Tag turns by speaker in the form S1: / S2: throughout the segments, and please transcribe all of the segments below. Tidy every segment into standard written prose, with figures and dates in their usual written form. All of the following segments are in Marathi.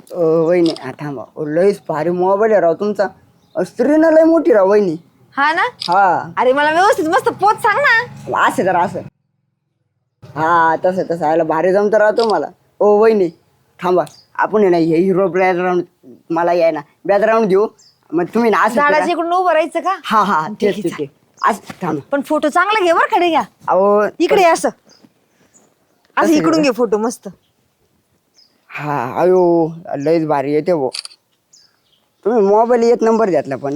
S1: वहिनी थांबा लईच भारी मोबाईल आहे राव तुमचा. स्क्रीन लय मोठी राव वहिनी.
S2: हा ना.
S1: हा
S2: अरे मला व्यवस्थित मस्त पोच सांग ना.
S1: असं तर असं. हा तसं तसं आयला भारी जमत राहतो मला. ओ वहिनी थांबा आपण आहे ना हे हिरो बॅकग्राऊंड मला याय ना बॅकग्राऊंड देऊ मग तुम्ही ना असं
S2: झाडाच्या
S1: करा.
S2: इकडून उभं राहायचं का?
S1: हा हा
S2: ठीक
S1: तेच
S2: आहे,
S1: ठीक आहे असं थांबा.
S2: पण फोटो चांगला घे बरं कडे घ्या.
S1: अहो
S2: इकडे ये असं असं
S1: कसं
S2: इकडून
S1: घे?
S2: घे फोटो मस्त.
S1: हा अयो लईच भारी येते भो. तुम्ही मोबाईल एक नंबर घेतला पण.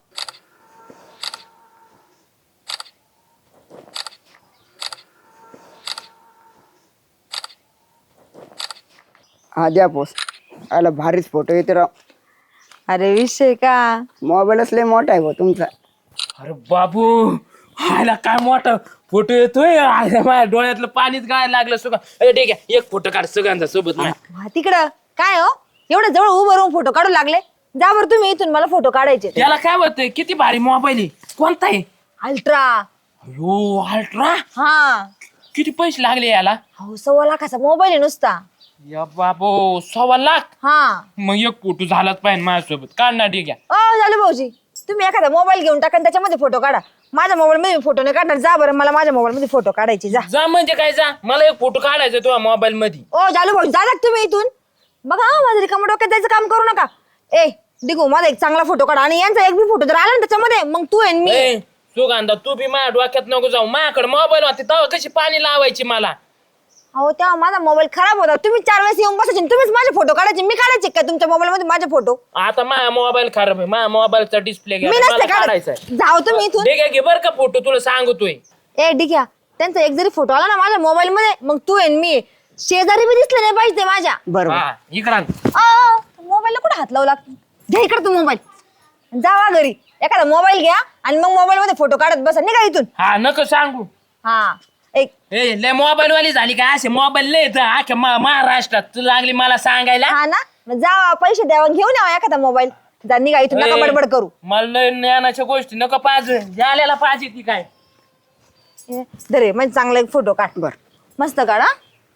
S1: हा द्या पोस. आला भारीच फोटो येते राव.
S2: अरे विषय का.
S1: मोबाईलच लय मोठा आहे भाऊ तुमचा.
S3: अरे बाबू हायला काय मोठा फोटो येतोय आयला माझ्या डोळ्यातलं पाणीच गायला लागलं सुगा. अरे ठीक आहे एक फोटो काढ सगळ्यांचा सोबत नाही.
S2: हा, तिकडं काय हो एवढं जवळ उभं राहून फोटो काढू लागले. जा बरं तुम्ही इथून मला फोटो काढायचे.
S3: त्याला काय होतंय किती भारी मोबाईल आहे कोणता आहे?
S2: अल्ट्रा.
S3: अयो अल्ट्रा
S2: हा
S3: किती पैसे लागले याला?
S2: हो 1.25 लाखाचा मोबाईल आहे नुसता.
S3: या बाबू 1.25 लाख.
S2: हा
S3: मग एक फोटो झालाच पाहिजे माझ्यासोबत काढ ना ठीक आहे.
S2: झालं भाऊजी तुम्ही एखादा मोबाईल घेऊन टाका आणि त्याच्यामध्ये फोटो काढा. माझ्या मोबाईल मध्ये फोटो नाही काढणार. जा बरं मला माझ्या मोबाईल मध्ये फोटो काढायचे. जा
S3: जा म्हणजे काय जा मला एक फोटो काढायचा तुझ्या मोबाईल मध्ये.
S2: झालं भाऊ जा तुम्ही इथून. बघा माझं रिकामं डोक्यात जायचं काम करू नका. डिगू माझा एक चांगला फोटो काढा आणि यांचा एक बी फोटो जर आला ना त्याच्यामध्ये मग तू आणि मी.
S3: ए, सुगंधा तू बी माझ्या डोक्यात नको जाऊ. माझ्याकडे मोबाईल होते तेव्हा कशी पाणी लावायची मला.
S2: अहो तेव्हा माझा मोबाईल खराब होता. तुम्ही 4 वेळेस येऊन बसायचे तुम्हीच माझे फोटो काढायचे. मी काढायचे का तुमच्या मोबाईल मध्ये माझे फोटो?
S3: आता माझा मोबाईल खराब आहे माझ्या मोबाईलचा डिस्प्ले
S2: मी नसते
S3: काढायचा
S2: काढायचं. जाओ तुम्ही इथून.
S3: ठीक आहे घे बर का फोटो तुला सांगतोय.
S2: ठीक आहे त्यांचा एक जरी फोटो आला ना माझ्या मोबाईल मध्ये मग तू आणि मी शेजारी बी दिसले नाही पाहिजे माझ्या.
S1: बरोबर.
S3: हा इकडं
S2: मोबाईलला कुठे हात लावू लागतो. घ्या इकडे तू मोबाईल. जावा घरी एखादा मोबाईल घ्या आणि मग मोबाईल मध्ये फोटो काढत बसा. निघा इथून.
S3: हा नको सांगू.
S2: हा एक
S3: ए लय मोबाईल वाली झाली का असे मोबाईल लय अख्या महाराष्ट्रात तू लागली मला सांगायला.
S2: हा ना मग जा पैसे द्यावा घेऊन यावा एखादा मोबाईल. जा निघा इथून नका
S3: ए,
S2: बडबड करू.
S3: मला लय ज्ञानाच्या गोष्टी नको पाहिजे झालेला पाहिजे ती काय.
S2: धरे म्हणजे चांगला एक फोटो काढ.
S1: बर
S2: मस्त काढा.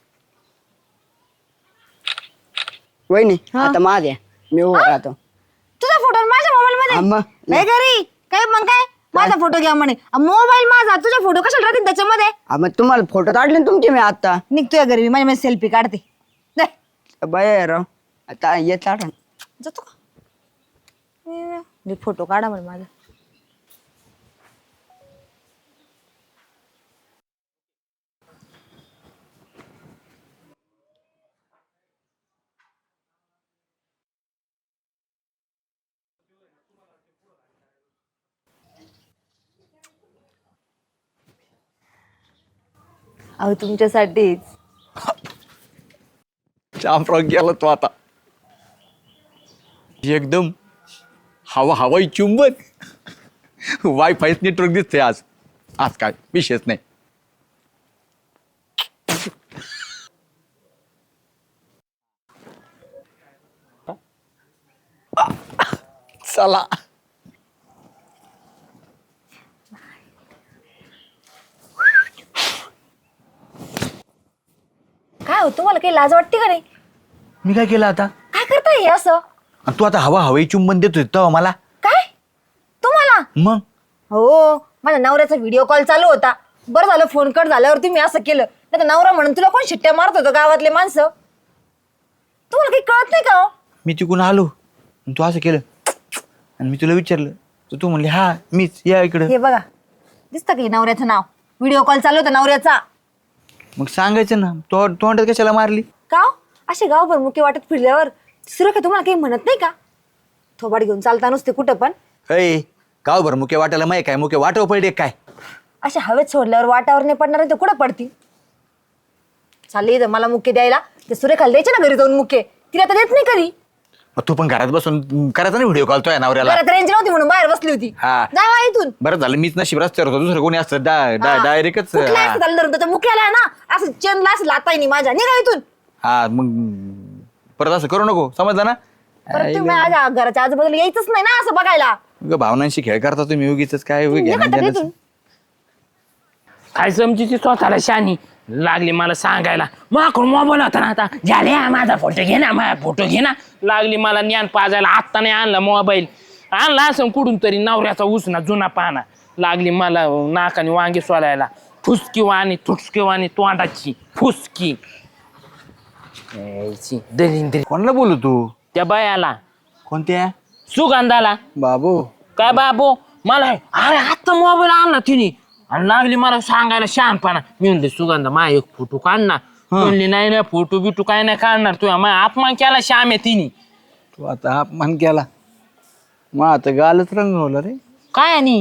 S1: वहिनी
S2: हा.
S1: आता माझ्या मी उभा राहतो.
S2: तुझा फोटो माझ्या मोबाईल
S1: हा,
S2: मध्ये
S1: मग.
S2: नाही घरी काय मग काय माझा फोटो घ्या म्हणे. मोबाईल माझा तुझा फोटो कशाला राहतील त्याच्यामध्ये.
S1: मग तुम्हाला फोटो काढले ना तुमचे मी आता.
S2: निघतोय घरी माझ्या माझी सेल्फी काढते. दे.
S1: बाय राव आता येत आठवण.
S2: जातो का फोटो काढा म्हणे माझा. अहो तुमच्यासाठीच.
S4: चांपराव गेला तो आता एकदम हवाई चुंबन. वायफायच नेटवर्क दिसतंय आज. आज काय विषयच नाही. चला
S2: काय हो तुम्हाला काही लाज वाटते का नाही?
S4: मी काय केलं आता?
S2: काय करताय हे असं?
S4: आणि तू आता हवाई चुंबन देतोय तेव्हा मला
S2: काय तुम्हाला?
S4: मग
S2: हो माझ्या नवऱ्याचा व्हिडिओ कॉल चालू होता. बरं झालं फोन कट झाल्यावर तुम्ही असं केलं. नाही तर नवरा म्हणून तुला कोण शिट्ट्या मारत होतं गावातले माणसं. तुम्हाला काही कळत नाही का हो?
S4: मी तिकडून आलो आणि तू असं केलं आणि मी तुला विचारलं तर तू म्हणली हा मीच या इकडं.
S2: हे बघा दिसतं की नवऱ्याचं नाव. व्हिडिओ कॉल चालू होता नवऱ्याचा.
S4: मग सांगायचं ना तोंडात कशाला मारली?
S2: का हो? असे गावभर मुके वाटत फिरल्यावर सुरेखा तुम्हाला काही म्हणत नाही का? थोबाड घेऊन चालता नुसते कुठं पण.
S4: अय गावभर मुके वाटायला माहिती काय मुके वाटव पडले काय?
S2: अशा हवेत सोडल्यावर वाटावर नाही पडणार ते कुठं पडतील. चालले इथं मला मुके द्यायला. ते सुरेखाला द्यायचे ना घरी जाऊन मुके. तिला तर देत नाही कधी.
S4: मग तू पण घरात बसून करायचा ना व्हिडिओ कॉल तो नवऱ्याला.
S2: घरात रेंज नव्हती म्हणून बाहेर बसली होती.
S4: हा.
S2: जावा इथून.
S4: बरं झालं मीच नशीब रस्त्यावर होतो. दुसरं कोणी असतं डायरेक्टच.
S2: कुठल्या असं झालं धरून त्याच्या मुख्याला आहे ना असं चेनला असं लाताय नाही माझ्या. निघा इथून.
S4: हा मग परत असं करू नको समजलं ना.
S2: परत तुम्ही माझ्या घराच्या आजूबाजूला यायचंच नाही ना असं बघायला.
S4: भावनांशी खेळ करता तुम्ही उगीच काय
S2: निघा आता इथून.
S3: काय समजी ती स्वतःला शानी लागली मला सांगायला माकडून मोबाईल होता ना आता झाले माझा फोटो घे ना माझा फोटो घे ना लागली मला ज्ञान पाजायला आत्ता नाही आणला मोबाईल आणला असं कुठून तरी नवऱ्याचा उसना जुना पाना लागली मला नाकाने वांगे सोलायला फुसकी वाणी थुटकी वाणी तोंडाची फुसकी दलिंद्री
S4: कोणाला बोलू तू?
S3: त्या बायाला
S4: कोणत्या?
S3: सुगंधाला
S4: बाबू.
S3: काय बाबू मला अरे आत्ता मोबाईल आणला तिने आणि लागली मला सांगायला शहाणपणा मी म्हणले सुगंधा मा एक फोटो काढ ना म्हणली नाही ना फोटो बिटू काय नाही काढणार तुझ्या मा अपमान केला श्याम आहे तिने
S4: तू आता अपमान केला मग आता गालच रंगवला रे.
S3: काय आणि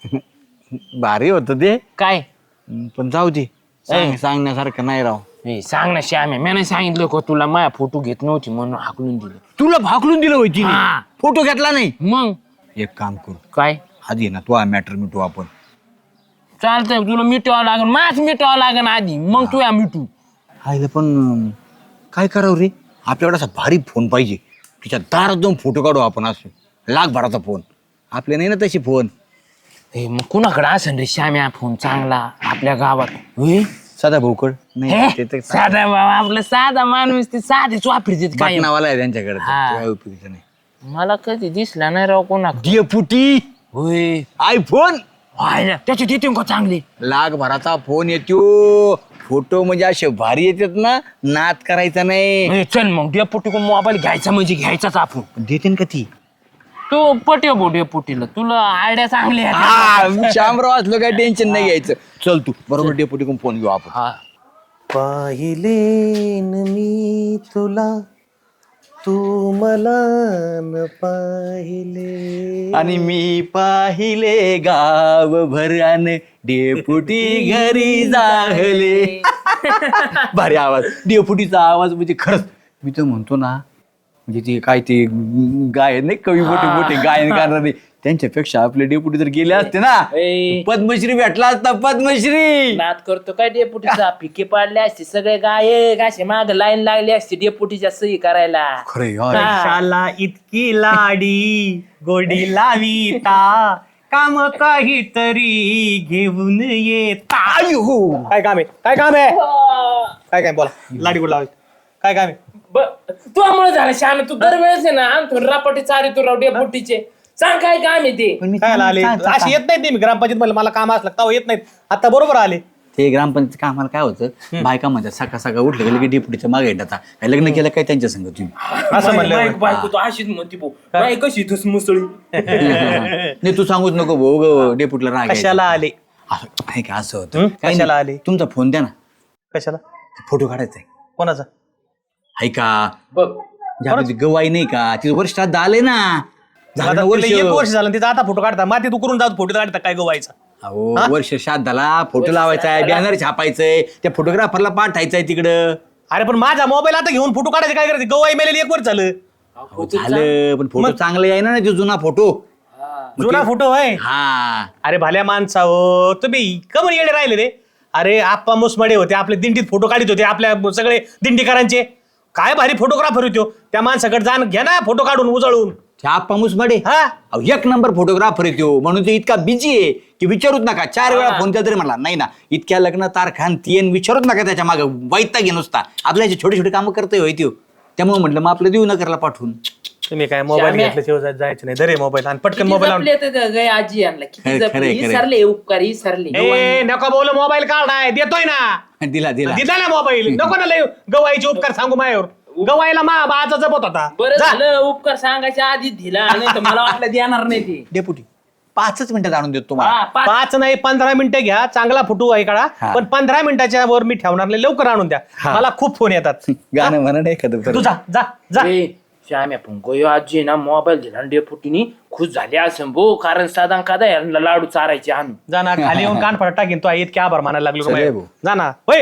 S4: भारी होत ते
S3: काय
S4: पण जाऊ दे. सांगण्यासारखं नाही राव.
S3: ए सांग ना श्याम आहे मी नाही सांगितलं का तुला माझ्या फोटो घेत नव्हती म्हणून हाकलून दिलं
S4: तुला भाकलून दिलं होती
S3: हा.
S4: फोटो घेतला नाही.
S3: मग
S4: एक काम करू
S3: काय
S4: आधी ना तू मॅटर मिटू आपण.
S3: चालतंय तुला मिटवावं लागेल माझ मिटवावं लागेल आधी मग तू या मिटू
S4: आईला पण काय करावं रे आपल्याकडे असा भारी फोन पाहिजे तिच्या दारात जाऊन फोटो काढू आपण असं लाखभराचा फोन. आपले नाही ना तशी फोन.
S3: ए मग कुणाकडे असेल रे श्याम्या फोन चांगला आपल्या गावात होय
S4: साधा भाऊकड नाही ते तर
S3: साधा बाबा आपला साधा माणूस ते साधेच वापरते काय
S4: बाटणावाला आहे त्यांच्याकडे
S3: हा.
S4: काय उपयोगाचं नाही.
S3: मला कधी दिसला नाही राव कोणा
S4: डेपुटी
S3: होय
S4: आयफोन
S3: व्हायला त्याचे देते का चांगले
S4: लाखभराचा फोन येतो. फोटो म्हणजे असे भारी येतात ना नाद करायचा नाही.
S3: ए, चल मग डेपुटी को मोबाईल घ्यायचा म्हणजे घ्यायचाच आपण
S4: देते का ती?
S3: तू पटे बो डेपुटीला तुला आयडिया चांगली आहे
S4: शामराव असलो काय टेन्शन नाही घ्यायचं. चल तू बरोबर डेपुटी कडून फोन घेऊ आपण.
S3: हा
S5: पाहिले न मी तुला तू मला न पाहिले
S4: आणि मी पाहिले गाव भरान डेपुटी घरी जाहले. भारी आवाज डेपुटीचा आवाज म्हणजे खरंच मी तर म्हणतो ना म्हणजे ते काय ते गायन नाही कवी मोठे मोठे गायन करणारे त्यांच्यापेक्षा आपले डेपुटी जर गेले असते ना
S3: ए.
S4: पद्मश्री भेटला असता पद्मश्री.
S3: नाद करतो काय डेपुटीचा पिके पाडले असते सगळे गायक असे माग लाईन लागली असते डेपुटीच्या सही करायला
S4: खरे
S5: शाला इतकी लाडी गोडी लाविता काम काहीतरी घेऊन येता. काय काम आहे काय काम आहे काय काय बोला लाडी गोड लावायची काय काम आहे.
S3: तुझ्यामुळे झालं श्याम तू दरवेळेस आहे ना आणतो रापाटी चारी तू राव डेपुटीचे सांग काय काम आहे ते
S5: काय आले अशी येत नाही ते मी ग्रामपंचायत मध्ये मला काम असलं तेव्हा येत नाहीत आता बरोबर आले.
S4: ते ग्रामपंचायत कामाला काय होतं बायका म्हणतात सकाळ सकाळ उठलं गेलं की डेपुटीच्या मागे येतात काय लग्न केलं काय त्यांच्या संग तुम्ही
S5: असं म्हणलं
S3: बायको तू अशीच म्हणते भाऊ बाई कशी तूच मुसळी
S4: नाही तू सांगूच नको भाऊ डेपुटीला राग यायचा.
S5: कशाला आले
S4: नाही का असं होतं काही
S5: कशाला
S4: नाही.
S5: आले
S4: तुमचा फोन द्या ना
S5: कशाला
S4: फोटो काढायचा आहे.
S5: कोणाचा
S4: हाय का
S3: बघ
S4: ज्यामध्ये गवाई नाही का तिथं वर्ष श्राद्ध आले ना झालं ना
S5: आता
S4: वर्ष.
S5: तिला 1 वर्ष झालं तिचा आता फोटो काढता माती तू करून जाऊ फोटो काढता काय गोवायचा
S4: अहो वर्ष श्राद्धाला फोटो लावायचा आहे बॅनर छापायचंय त्या फोटोग्राफरला पाठायचंय तिकडं.
S5: अरे पण माझा मोबाईल आता घेऊन फोटो काढायचे काय करायचे गवाई मेलेली 1 वर्ष झालं
S4: अहो, झालं पण फोटो चांगले आहे ना तो जुना फोटो.
S5: जुना फोटो आहे
S4: हा
S5: अरे भाल्या माणसा हो तुम्ही कमर येडे राहिले रे. अरे आप्पा मुसमडे होते आपले दिंडीत फोटो काढत होते आपल्या सगळे दिंडीकरांचे काय भारी फोटोग्राफर होतो त्या माणसाकडे जाण घ्या ना फोटो काढून उजळून.
S4: छापा मुसमाडे
S5: हा
S4: अहो 1 नंबर फोटोग्राफर येतो म्हणून ते इतका बिझी आहे की विचारूच नका. 4 वेळा फोन केला तरी म्हणला नाही ना इतक्या लग्न तारखान तीन विचारूच नका त्याच्या मागे वैता घे नुसता आपल्या छोटे छोटे कामं करतोय होय त्यो. त्यामुळे म्हटलं मग आपलं देऊ नकरला पाठवून.
S5: तुम्ही काय मोबाईल घेतल्याशिवाय जायचं नाही धरे मोबाईल आणि पटकन मोबाईल
S3: आजी आणला किती
S4: खरं,
S3: जपले
S4: खरं.
S3: सरले उपकार सरले
S5: ए नको बोल मोबाईल काढाय देतोय ना
S4: दिला दिला
S5: दिला ना मोबाईल नको ना लय गवाईचे उपकार सांगू मायावर गवायला मा बाचा जपत होता
S3: बरं
S5: जा.
S3: झालं उपकार सांगायच्या आधी दिला नाही तर मला वाटलं देणार नाही ते
S4: डेपुटी 5च मिनिटात आणून देतो तुम्हाला.
S3: हा,
S5: 5 नाही 15 मिनिटं घ्या चांगला फोटो आहे काढा
S4: हा.
S5: पण 15 मिनिटाच्या वर मी ठेवणार नाही लवकर आणून द्या मला खूप फोन येतात
S4: गाणं म्हणा नाही एखादं
S5: तू जा जा जा
S3: ए, श्याम आपण गोयो आजी ना मोबाईल दिला आणि डेपुटीनी खुश झाले असं भो कारण साधा कादा यांना लाडू चारायचे आणून
S5: जा ना खाली येऊन कान फडा टाकीन तो इतके आभार मानायला लागलो
S4: चल रे
S5: का
S4: भाऊ.
S5: जा ना होय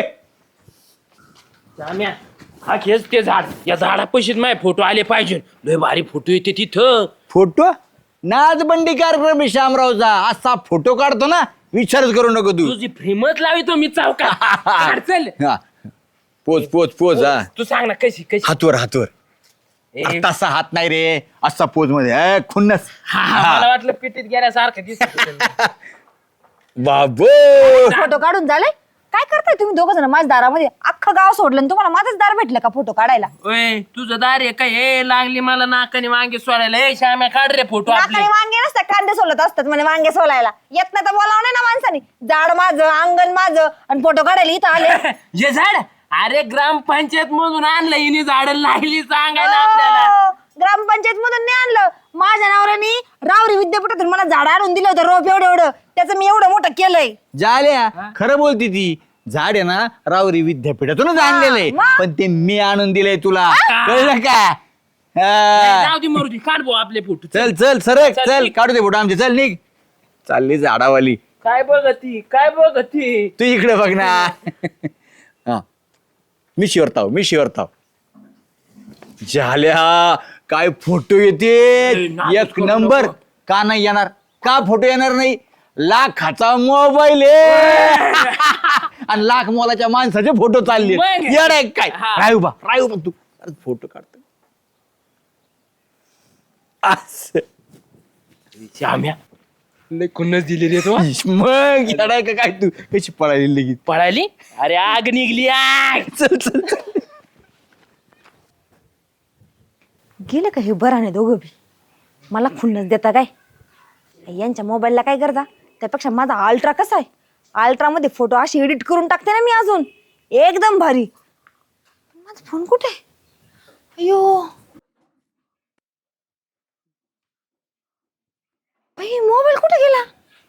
S3: श्याम्या हा खेच ते झाड या झाडापाशीच माझे फोटो आले पाहिजे लय भारी फोटो येते तिथं
S4: फोटो नाचबंडी कार्यक्रम आहे शामरावचा असा फोटो काढतो ना विचारच करू नको तू.
S3: तुझी फ्रेमच लावितो मी चावका काढ चल
S4: हा. पोच पोच पोच हा
S3: तू सांग ना कशी कशी
S4: हातवर हातवर
S3: ए,
S4: तसा हात नाही रे असा पोज मध्ये खुन्नस.
S3: मला वाटलं पिटीत गेल्यासारखं दिसत होतं.
S4: बाबो
S2: फोटो काढून झाले. काय करताय तुम्ही दोघं जण माझ्या दारामध्ये? अख्खं गाव सोडलं आणि तुम्हाला माझंच दार भेटलं का फोटो काढायला?
S3: ओय तुझं दार आहे काय? हे लागली मला नाकाने वांगे सोडायला. ए श्याम्या काढ रे फोटो आपले.
S2: नाकाने वांगे नसतात, कांदे सोलत असतात म्हणे वांगे सोलायला. येत नाही तर बोलावं नाही ना माणसाने. झाड माझं, अंगण माझं आणि फोटो काढायला इथं आले.
S3: जे झाड अरे ग्रामपंचायत मधून आणलं हिने झाड लागली सांगायला आपल्याला.
S2: ग्रामपंचायत मधून नाही आणलं. माझ्या नवऱ्याने रावरी विद्यापीठातून मला झाड आणून दिलं होतं, रोप एवढं एवढं. त्याचं मी एवढं मोठं केलंय.
S4: झाल्या खरं बोलती ती. झाड आहे ना रावरी विद्यापीठातूनच आणलेलंय,
S2: मग?
S4: पण ते मी आणून दिलंय तुला, कळलं का?
S3: जाऊ दे मरू दे, काढ भाऊ आपले फोटो.
S4: चल चल सरक
S3: चल,
S4: चल
S3: निघ.
S4: काढू दे फोटो आमचे. चल निघ. चालली झाडावाली.
S3: काय बघती काय बघती?
S4: तू इकडे बघ ना. हा मी शिवरताव मी शिवरताव. झाल्या काय फोटो येते
S3: नाटक
S4: एक
S3: करू
S4: नंबर.
S3: नको.
S4: का नाही येणार? का फोटो येणार नाही? लाखाचा मोबाईल आहे आणि लाख मोलाच्या माणसाचे फोटो चालले.
S3: मग?
S4: येडा आहे काय?
S3: हा.
S4: राहू बा तू अरे फोटो काढतो असं.
S3: श्याम्या लय खुन्नस दिली रे तो.
S4: मग येडा आहे का काय? तू कशी पळाली लगेच?
S3: पळाली? अरे आग निघली आग.
S4: चल चल चल.
S2: गेलं का हे बराने दोघं बी? मला खुन्नस देता काय? यांच्या मोबाईलला काय करता? त्यापेक्षा माझा अल्ट्रा कसा आहे? अल्ट्रा मध्ये फोटो अशी एडिट करून टाकते ना मी, अजून एकदम भारी. माझा फोन कुठे? अयो बाई, मोबाईल कुठे गेला?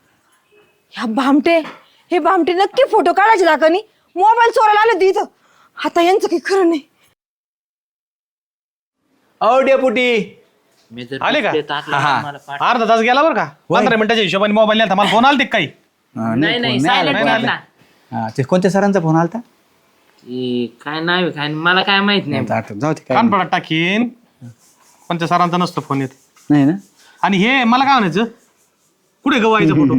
S2: हे भामटे नक्की फोटो काढायचे दाखवणी. मोबाईल चोरायला आले होते इथं. आता यांचं काही खरं नाही.
S4: औ डेपुटी
S5: आले का?
S4: हा.
S5: अर्धा तास गेला बरं का? 15 मिनिटाच्या हिशोबाने मोबाईल नेलता. मला फोन आला काही?
S3: नाही नाही सायलेंट मारला.
S4: ते कोणत्या सरांचा फोन आलता?
S3: काय नाही काय मला काय माहित नाही.
S4: जाऊ दे काय
S5: कानपडात टाकीन. कोणत्या सरांचा नसतो फोन येत.
S4: नाही ना.
S5: आणि हे मला काय म्हणायचं, कुठे गवायचा फोटो?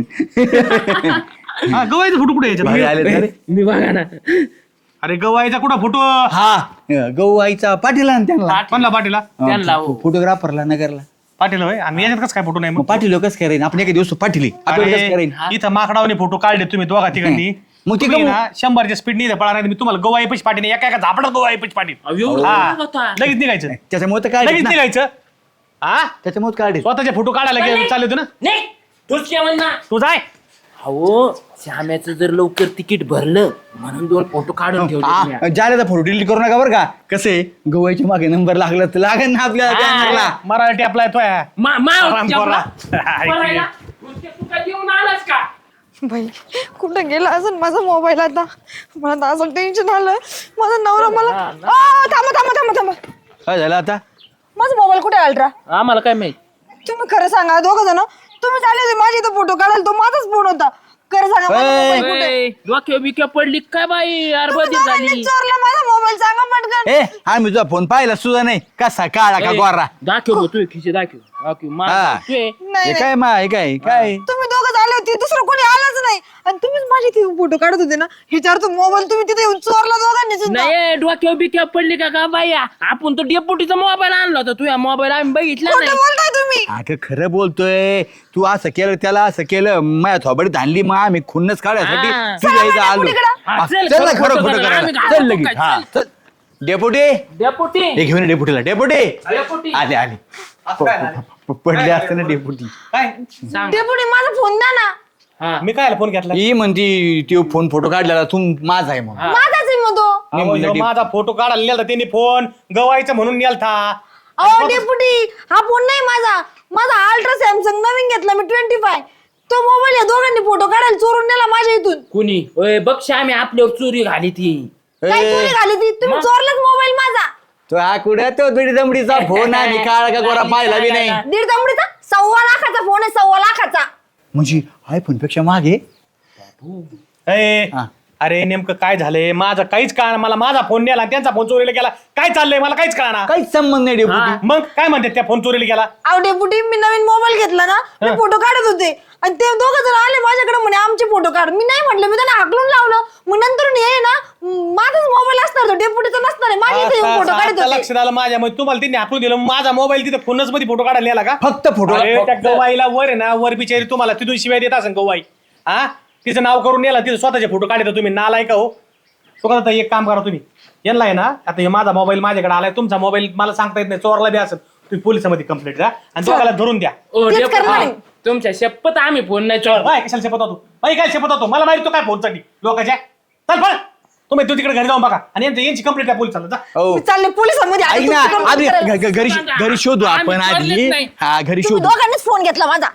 S5: हा गवायचा फोटो कुठे
S4: भारी
S5: यायचा?
S4: आले रे.
S3: मी बघा ना.
S5: अरे गवायचा कुठं फोटो?
S4: हा गहू आईचा पाटील आणि त्यांना
S5: कोणला पाटीला?
S3: त्यांना हो.
S4: फोटोग्राफरला नगरला
S5: पाटील होय. आणि याच्यात कसं काय फोटो नाही
S4: मग
S5: मग?
S4: पाटील कसं करायन? आपण एक दिवस पाटील आपण कसं करायन?
S5: इथं माकडावने फोटो काढले तुम्ही दोघा तिघांनी.
S4: मग ते
S5: तुम्ही
S4: गहू-
S5: ना 100च्या स्पीडने इथं पळा नाही. मी तुम्हाला गवाई पैसे पाटील एका एका झापडात गवाई पैसे पाटील.
S3: एवढं
S5: हा.
S3: होता.
S5: लगेच निघायचं.
S4: त्याच्यामुळे तर काय
S5: लगेच निघायचं. हा
S4: त्याच्यामुळे काढे
S5: स्वतःचे फोटो काढायला चालले होते ना.
S3: नाही तूच काय म्हणणार?
S5: तू जाय.
S3: अहो श्याम्याचं जर लवकर तिकीट भरलं म्हणून 2 फोटो काढून ठेवले.
S4: जायला फोटो डिलीट करू नका बरं का. कसे गवाईच्या मागे नंबर लागला तर लागेल ना आपल्याला बॅनरला.
S5: मराठी आपला येतोय. आराम करा.
S3: तू काय देऊन आलास का?
S2: बाई कुठं गेला अजून माझा मोबाईल? आता मला तर असं टेन्शन आलं. माझा नवरा मला थांबा.
S4: काय झालं आता?
S2: माझा मोबाईल कुठे अल्ट्रा?
S3: आम्हाला काय माहित.
S2: तुम्ही खरं सांगा दोघं जण. तुम्ही चालले होते माझ्या इथं फोटो काढायला, तो माझाच फोन होता. खरं सांगा माझा मोबाईल कुठे?
S3: डोक्या बिक्या पडली काय बाई? अरबदी झाली.
S2: चोरला माझा मोबाईल, सांगा पटकन.
S4: ए आम्ही तुझा फोन पाहिला सुद्धा नाही. कसा काळा का गोरा?
S3: दाखव तू खिशे दाखव.
S4: हा.
S2: नाही
S4: हे काय मा हे काय काय
S2: तुम्ही दोघं झाले होते, दुसरं कोणी आलंच नाही. आणि तुम्हीच माझी इथे फोटो काढत होते ना. ह्याच्यावर तो मोबाईल तुम्ही तिथे येऊन चोरला दोघांनी सुद्धा.
S3: नाही डोक्या बिक्या पडली का बाई? आपण तो डेपुटीचा मोबाईल आणला होता. तुझ्या मोबाईल आम्ही बघितला
S2: खोटं
S3: नाही.
S2: बोलताय तुम्ही.
S4: अगं खरं बोलतोय. तू असं केलं त्याला असं केलं माझ्या थोबडीत आणली. मग आम्ही खुन्नच काढायसाठी
S3: हा.
S4: तुझ्या इथं आलो.
S3: हा,
S4: हा,
S3: चल,
S4: चल ना
S3: खरं
S4: खरं
S3: खोटं
S4: खोटं
S3: करायला. आम्ही
S4: करायला.
S3: घाबरतो
S4: चल लगेच.
S3: काय?
S4: हा
S3: चल.
S4: चल. डेपुटी
S3: डेपुटी
S4: हे घेऊन ये डेपुटीला. डेपुटी
S3: डेपुटी
S4: आले आले पडले असते ना डेपुटी.
S5: काय
S3: सांग.
S2: डेपुटी माझा फोन द्या ना.
S3: हा.
S5: मी काय फोन घेतला?
S4: ही म्हणती तो फोन फोटो काढलेला तू माझा आहे म्हणून.
S2: माझाच आहे मग तो.
S4: मी
S5: अहो,
S4: म्हणलं
S5: ह्यो माझा फोटो काढायला नेलता त्यांनी फोन. गवायचं म्हणून नेलता.
S2: अहो डेपुटी, हा फोन नाही माझा. माझा अल्ट्रा सॅमसंग नवीन घेतला मी 25. तो मोबाईल या दोघांनी फोटो काढायला चोरून नेला माझ्या इथून.
S3: कुणी ओय बघ श्यामी आपल्यावर चोरी घाली ती.
S2: काय चोरी घाली ती? तुम्ही चोरलाच मोबाईल माझा.
S4: तो हा कुठे तो बिडी दमडीचा फोन आहे. काळा का गोरा पाहिला बी नाही.
S2: 1.5 दमडीचा 1.25 लाखाचा फोन आहे. 1.25 लाखाचा.
S4: म्हणजे आयफोन पेक्षा मागे.
S5: ए,
S4: हा.
S5: अरे नेमकं काय झालंय? माझा काहीच कळणार. मला माझा फोन नेला आणि त्यांचा फोन चोरीला गेला. काय चाललंय मला काहीच कळणार.
S4: काहीच संबंध नाही डेपुटी.
S5: मग काय म्हणते त्या फोन चोरीला गेला?
S2: अहो डेपुटी, मी नवीन मोबाईल घेतला ना. मी फोटो काढत होते आणि ते दोघं जण आले माझ्याकडे म्हणे आमचे फोटो काढ. मी नाही म्हटलं, मी त्यांना हाकलून लावलं. मग नंतर हे ना माझाच मोबाईल असणार, तो डेपुटीचा नसणार आहे. माझ्या इथे फोटो काढत
S5: आता
S2: होते.
S5: लक्षात आलं माझ्या. मग तुम्हाला त्यांनी हाकलून दिलं. माझा मोबाईल तिथे फोनच मध्ये फोटो काढायला नेला का?
S4: फक्त फोटो
S5: अरे, त्या गवाईला वर आहे ना, वर बिचारी तुम्हाला तिथून शिवाय देत असेल गवाई. हा तिचं नाव करून नेला तिथे स्वतःचे फोटो काढता तुम्ही नालाय का हो. सुगंधा एक काम करा तुम्ही, यांना आहे ना आता हे माझा मोबाईल माझ्याकडे आलाय, तुमचा मोबाईल मला सांगता येत नाही, चोरला बी असेल, तुम्ही पोलिसांमध्ये कंप्लेंट द्या आणि दोघाला धरून द्या.
S3: ओ,
S2: तेच
S3: डेपुटी,
S2: करणार आहे.
S3: तुमच्या शपथ आम्ही फोन नाही चोर.
S5: बाय कशाला शपथ होतो, बाई काय शपथ होतो, मला माहिती तो काय फोनसाठी लोकांच्या. चल पण तुम्ही तू तिकडे घरी जाऊन बघा आणि यांची कंप्लेंट द्या पोलिसांना जा.
S4: हो
S2: मी चालले पोलिसांमध्ये आता
S4: ऐक ना,
S2: तुमची कंप्लेंट
S4: आधी
S2: करायला.
S4: घरी शोधू आपण
S3: आम्ही
S4: आधी.
S3: चोरलेच नाही.
S4: हा घरी
S2: तुम्ही
S4: शोधू.
S2: दोघांनीच फोन घेतला माझा.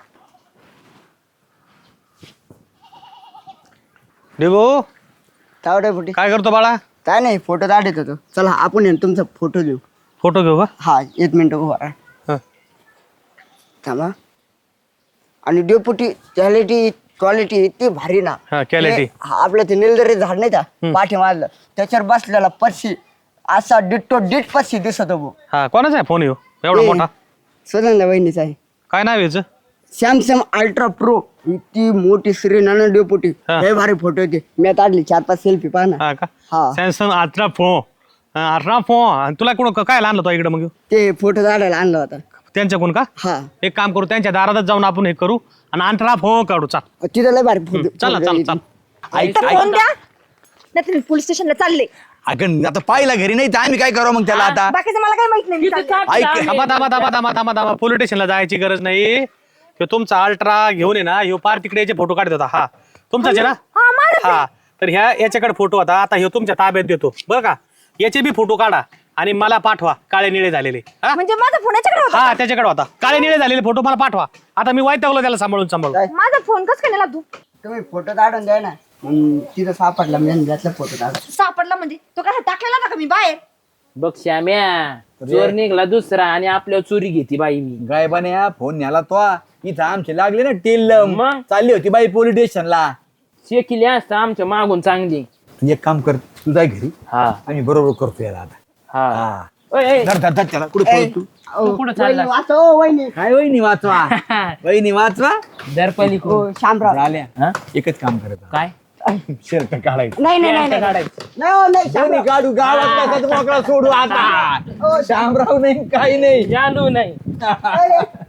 S5: देवो
S1: तावडे फुटी
S5: काय करतो बाळा?
S1: काय नाही फोटो काढत होतो. चला आपण आहे ना तुमचा फोटो देऊ.
S5: फोटो घेऊ का?
S1: हा 1 मिनिट उभा राहा.
S5: हं.
S1: थांबा. आणि डेपुटी क्वालिटी इतकी भारी ना.
S5: हा, quality.
S1: आपलं ते निलदरी झाड नाही का पाठी मारलं त्याच्यावर बसलेला पक्षी असा डिट्टो डिट पक्षी दिसत हो.
S5: हा कोणाचा आहे फोन येऊ एवढा मोठा?
S1: सुनंदा वहिनीचा आहे.
S5: काय नाव याचं?
S1: Samsung ultra pro. इतकी मोठी स्क्रीन ना डेपुटी.
S5: हा.
S1: लय भारी फोटो होते. मी काढली 4-5 सेल्फी पहा ना.
S5: हा का?
S1: हा.
S5: Samsung ultra phone. Ultra phone. आणि तुला कोण काय आणलं तो इकडे मग?
S1: ते फोटो काढायला आणला होता.
S5: त्यांच्याकडून का?
S1: हा
S5: एक काम करू, त्यांच्या दारातच जाऊन आपण हे करू आणि अल्ट्रा फोन काढू. चाल
S1: तिथं लय भारी फोटो.
S5: चला चल चल.
S4: ऐक
S2: तर फोन द्या नाही तुम्ही पोलीस स्टेशनला चालले.
S4: अगं आता पाहिला घरी नाही तर आम्ही काय करू मग त्याला आता.
S2: बाकीचं मला काही माहित नाही. मी चालले.
S4: ऐक
S5: थांबा पोलीस स्टेशनला जायची गरज नाही. ह्यो तुमचा अल्ट्रा घेऊन ये ना, ह्यो पार तिकडे याचे फोटो काढत होता. हा तुमचाच आहे ना?
S2: हा माझं
S5: हा तर याच्याकडे फोटो होता, आता ह्यो तुमच्या ताब्यात देतो बरं का. याचे बी फोटो काढा आणि मला पाठवा काळे निळे झालेले. हा?
S2: म्हणजे माझा फोन याच्याकडे होता.
S5: हा त्याच्याकडे होता, काळे निळे झालेले फोटो मला पाठवा. आता मी वैतागलो त्याला सांभाळून.
S2: माझा फोन कस काय नेला तू?
S1: तुम्ही फोटो काढून द्या ना. तिथं सापडला मी त्यातला फोटो काढ.
S2: सापडला म्हणजे तो काय टाकलेला होता का मी बाहेर?
S3: बघ श्याम्या, चोर निघला दुसरा आणि आपल्यावर चोरी घेती बाई मी.
S4: गायबाने फोन न्याला तो इथं आमचे लागले ना टेल
S3: मग?
S4: चालली होती बाई पोलीस स्टेशनला.
S3: शेकिली असतं आमच्या मागून चांगली.
S4: तू एक काम कर, तू जाय घरी,
S3: हा
S4: आम्ही बरोबर करतो याला आता.
S3: हा
S4: हा
S3: ओय, ओय,
S4: धर धर धर त्याला. कुठे पळत तू?
S3: तू कुठं चालला?
S1: वहिनी.
S4: काय वहिनी वाचवा, वहिनी वाचवा.
S3: दरपली
S1: हो शामराव.
S4: झाल्या
S3: हा?
S4: एकच काम करत
S3: काय
S4: शर्ट काढायचं.
S1: नाही नाही नाही नाही. नाही हो, नाही
S4: दोन्ही
S1: शामराव.
S4: काढू गावात मोकळा सोडू आता. शामराव नाही काही नाही.
S3: जालू नाही.
S1: अरे,